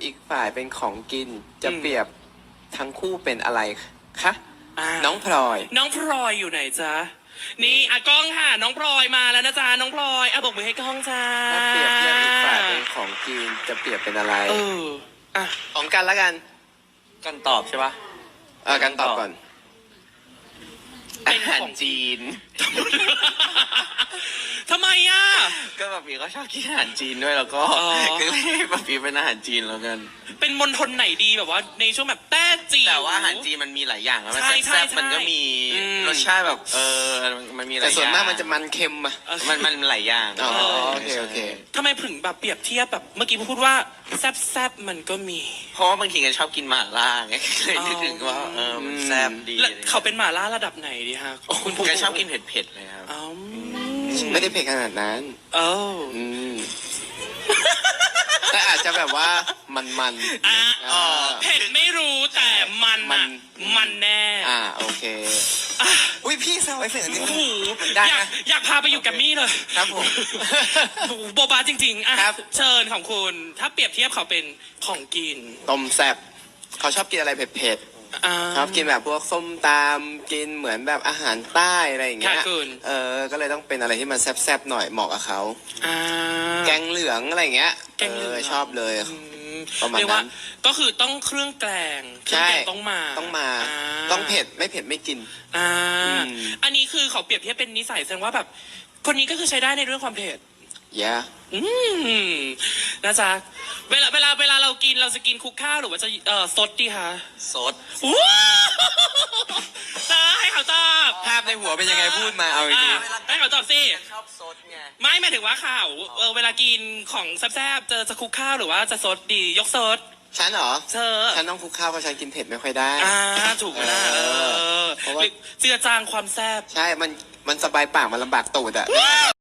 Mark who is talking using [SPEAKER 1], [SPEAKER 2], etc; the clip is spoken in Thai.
[SPEAKER 1] อีกฝ่ายเป็นของกิน จะเปรียบทั้งคู่เป็นอะไรคะน้องพลอย
[SPEAKER 2] น้องพลอยอยู่ไหนจ๊ะนี่กล้องค่ะน้องพลอยมาแล้วนะจ๊ะน้องพลอยบอกมือให้กล้องจ้า
[SPEAKER 1] ถ้าเปรียบเทียบอีกฝ่ายเป็นของกินจะเปรียบเป็นอะไรของกันละกัน
[SPEAKER 3] กันตอบใช่ปะ
[SPEAKER 1] กันตอบก่อน
[SPEAKER 3] อาหารจีน
[SPEAKER 2] ทำไมอ่ะ
[SPEAKER 3] ก็แบบปีก็ชอบกินอาหารจีนด้วยแล้วก็ก็เลยแบบปีเป็นอาหารจีนแล้วกัน
[SPEAKER 2] เป็นมณฑลไหนดีแบบว่าในช่วงแบบแต้จีน
[SPEAKER 3] แต่ว่าอาหารจีนมันมีหลายอย่างแล้วมัน
[SPEAKER 2] ใช่
[SPEAKER 3] แซ่บ
[SPEAKER 2] ใช่
[SPEAKER 3] ๆมันก็มีรสชาติแบบมันมีหลายอย่าง
[SPEAKER 1] แต่ส่วนมากมันจะมันเค็มอะ
[SPEAKER 3] มันหลายอย่าง
[SPEAKER 1] โอเค
[SPEAKER 2] ทำไมถึงแบบเปรียบเทียบแบบเมื่อกี้พูดว่าแซบมันก็มี
[SPEAKER 3] เพราะว่าบางทีกันชอบกินหม่าล่าไงเลยนึกถึงว่ามันแซ่บดี
[SPEAKER 2] แล้วเขาเป็นหม่าล่าระดับไหนดีฮะคุณผู้
[SPEAKER 3] กันชอบกินเผ็ดๆเลยครับ
[SPEAKER 1] ไม่ได้เผ็ดขนาดนั้น
[SPEAKER 2] ม
[SPEAKER 1] แต่อาจจะแบบว่ามัน
[SPEAKER 2] เผ็ดไม่รู้แต่มันแน่
[SPEAKER 1] โอเคอุ้ยพี่แซวไอ้เฟนนี่
[SPEAKER 2] โอ้โห
[SPEAKER 1] ได้นะ
[SPEAKER 2] อยากพาไปอยู่กับมี่เลย
[SPEAKER 1] ครับผม
[SPEAKER 2] โบบาจริงๆ
[SPEAKER 1] ครับ
[SPEAKER 2] เชิญของคุณถ้าเปรียบเทียบเขาเป็นของกิน
[SPEAKER 1] ต้มแซ่บเขาชอบกินอะไรเผ็ดชอบกินแบบพวกส้มตำกินเหมือนแบบอาหารใต้อะไรอย่างเงี้ยก็เลยต้องเป็นอะไรที่มันแซ่บๆหน่อยเหมาะกับเขาแกงเหลืองอะไรอย่างเงี้ยชอบเลยประมาณนั้น
[SPEAKER 2] ก็คือต้องเครื่องแกงต้องมา
[SPEAKER 1] ต้องเผ็ดไม่เผ็ดไม่กิน
[SPEAKER 2] อันนี้คือเขาเปรียบเทียบเป็นนิสัยแสดงว่าแบบคนนี้ก็คือใช้ได้ในเรื่องความเผ็ดนะจ๊ะเวลาเรากินเราจะกินคลุกข้าวหรือว่าจะซดดีคะ
[SPEAKER 3] สด
[SPEAKER 2] จ้าให้เขาตอบ
[SPEAKER 1] ภาพในหัวเป็นยังไงพูดมาเอาดี
[SPEAKER 2] ให้เขาตอบสิ
[SPEAKER 3] ชอบสดไง
[SPEAKER 2] ไม่หมายถึงว่าข่าวเวลากินของแซ่บๆจะคลุกข้าวหรือว่าจะซดดียกซด
[SPEAKER 1] ฉันเหรอ
[SPEAKER 2] เธอ
[SPEAKER 1] ฉันต้องคลุกข้าวเพราะฉันกินเผ็ดไม่ค่อยได้
[SPEAKER 2] ถูกนะเพราะว่าเจือจางความแซ่บ
[SPEAKER 1] ใช่มันสบายปากมันลำบากตูดอะ